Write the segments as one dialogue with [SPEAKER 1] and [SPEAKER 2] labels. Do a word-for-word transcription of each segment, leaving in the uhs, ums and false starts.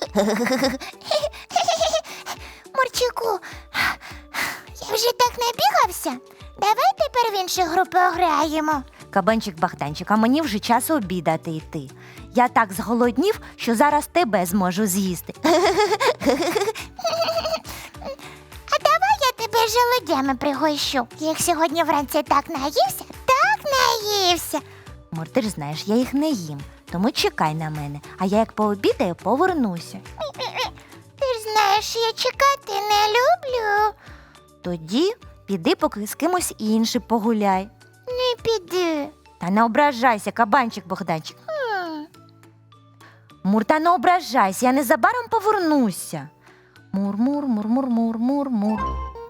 [SPEAKER 1] Мурчику, я вже так набігався. Давай тепер в іншу гру пограємо.
[SPEAKER 2] Кабанчик Богданчик, а мені вже час обідати йти. Я так зголоднів, що зараз тебе зможу з'їсти.
[SPEAKER 1] А давай я тебе желудями пригощу. Як сьогодні вранці так наївся, так наївся.
[SPEAKER 2] Мур, ти ж знаєш, я їх не їм, тому чекай на мене, а я як пообідаю, повернуся.
[SPEAKER 1] Ти ж знаєш, що я чекати не люблю.
[SPEAKER 2] Тоді піди поки з кимось іншим погуляй.
[SPEAKER 1] Не піду.
[SPEAKER 2] Та не ображайся, кабанчик Богданчик.
[SPEAKER 1] М.
[SPEAKER 2] Мур, та не ображайся, я незабаром повернуся. Мур, мур, мур, мур, мур, мур, мур.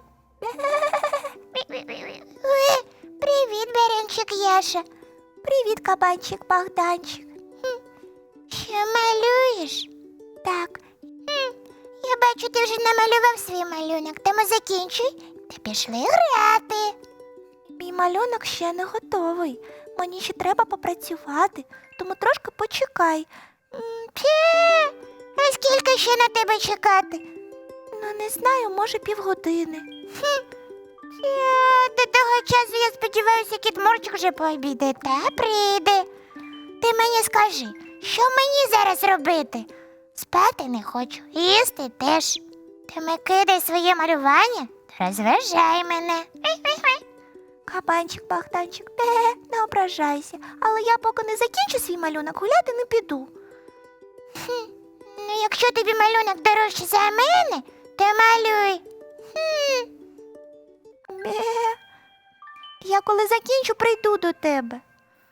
[SPEAKER 1] Ой, привіт, Беренчик Яша.
[SPEAKER 2] Привіт, кабанчик Богданчик.
[SPEAKER 1] Що малюєш?
[SPEAKER 2] Так,
[SPEAKER 1] Я бачу, ти вже намалював свій малюнок. Тому закінчуй та пішли грати.
[SPEAKER 2] мій малюнок ще не готовий. Мені ще треба попрацювати, тому трошки почекай.
[SPEAKER 1] Пє, а скільки ще на тебе чекати?
[SPEAKER 2] Ну, не знаю, може півгодини.
[SPEAKER 1] Пє, до того часу, я сподіваюся, кіт Мурчик вже пообідає та прийде. Ти мені скажи, що мені зараз робити? Спати не хочу, їсти теж. Тому кидай своє малювання та розважай мене.
[SPEAKER 2] Кабанчик Богданчик, те, не ображайся, але я поки не закінчу свій малюнок, гуляти не піду.
[SPEAKER 1] Ну, якщо тобі малюнок дорожче за мене, то малюй. Хм.
[SPEAKER 2] Бе. Я коли закінчу, прийду до тебе.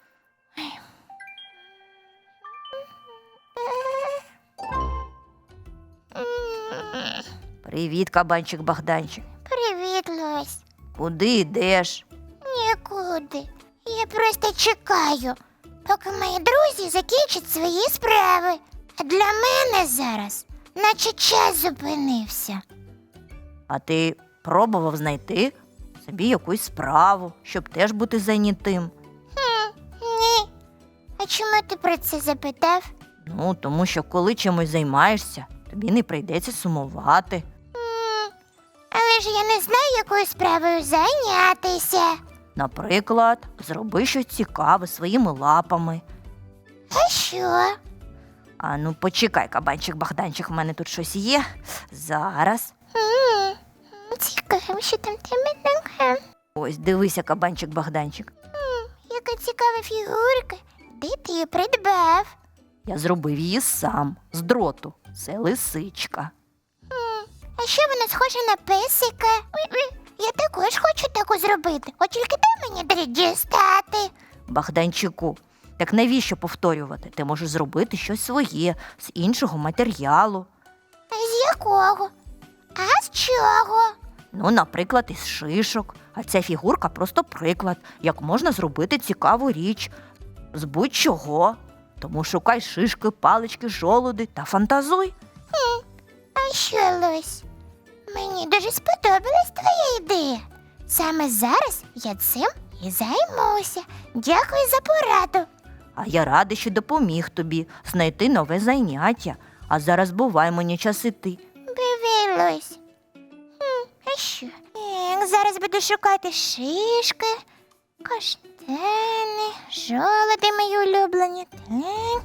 [SPEAKER 2] Привіт, кабанчик Богданчик.
[SPEAKER 1] Привіт, Лось.
[SPEAKER 2] Куди йдеш?
[SPEAKER 1] Нікуди. Я просто чекаю, поки мої друзі закінчать свої справи. А для мене зараз наче час зупинився.
[SPEAKER 2] А ти пробував знайти собі якусь справу, щоб теж бути зайнятим?
[SPEAKER 1] Хм, ні. А чому ти про це запитав?
[SPEAKER 2] Ну, тому що коли чимось займаєшся, тобі не прийдеться сумувати.
[SPEAKER 1] М, Але ж я не знаю, якою справою зайнятися.
[SPEAKER 2] Наприклад, зроби щось цікаве своїми лапами.
[SPEAKER 1] А що?
[SPEAKER 2] А ну почекай, кабанчик Богданчик, в мене тут щось є. Зараз.
[SPEAKER 1] М, Цікаво, що там в тебе таке.
[SPEAKER 2] Ось, дивися, кабанчик Богданчик.
[SPEAKER 1] М, Яка цікава фігурка. Де ти її придбав?
[SPEAKER 2] Я зробив її сам, з дроту. Це лисичка.
[SPEAKER 1] А що вона схожа на песика? Ой-ой, Я також хочу таку зробити. От тільки дай мені дріт дістати.
[SPEAKER 2] Богданчику, так навіщо повторювати? Ти можеш зробити щось своє, з іншого матеріалу.
[SPEAKER 1] А з якого? А з чого?
[SPEAKER 2] Ну, наприклад, із шишок. А ця фігурка просто приклад, як можна зробити цікаву річ. З будь-чого. Тому шукай шишки, палички, жолуди та фантазуй.
[SPEAKER 1] А що, Лось? Мені дуже сподобалась твоя ідея. Саме зараз я цим і займуся. Дякую за пораду.
[SPEAKER 2] А я радий, що допоміг тобі знайти нове заняття. А зараз бувай, мені час іти.
[SPEAKER 1] Бивий, Лось. Хм, а що? Ех, зараз буду шукати шишки, каштани, жолоди мої улюблені. Так.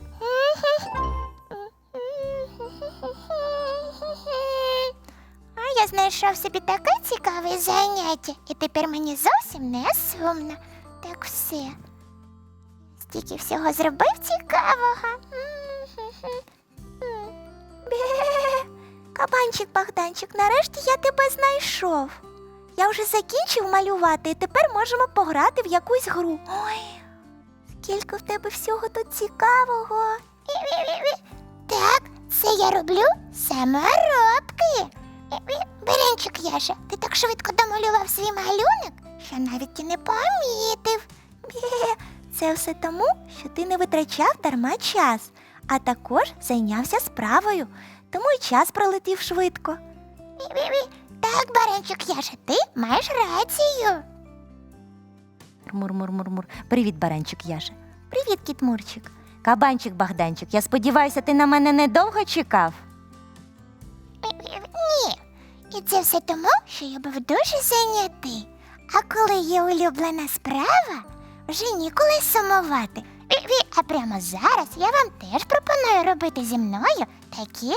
[SPEAKER 1] А я знайшов собі таке цікаве заняття, і тепер мені зовсім не сумно. Так все. Стільки всього зробив цікавого.
[SPEAKER 2] Бе. Кабанчик Богданчик, нарешті я тебе знайшов. Я вже закінчив малювати, і тепер можемо пограти в якусь гру. Ой, скільки в тебе всього тут цікавого.
[SPEAKER 1] Так, це я роблю саморобки. Беренчик Яша, ти так швидко домалював свій малюнок, що навіть і не помітив.
[SPEAKER 2] Бе. Це все тому, що ти не витрачав дарма час, а також зайнявся справою, тому й час пролетів швидко.
[SPEAKER 1] Так, Баренчик Яша, ти маєш рацію.
[SPEAKER 2] Мур-мур-мур-мур. Привіт, баранчик Яша. Привіт, кіт Мурчик. Кабанчик Богданчик, я сподіваюся, ти на мене недовго чекав?
[SPEAKER 1] І це все тому, що я був дуже зайнятий. А коли є улюблена справа, вже ніколи сумувати. Ві-ві, А прямо зараз я вам теж пропоную робити зі мною такі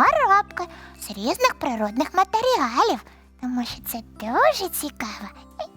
[SPEAKER 1] саморобки з різних природних матеріалів, тому що це дуже цікаво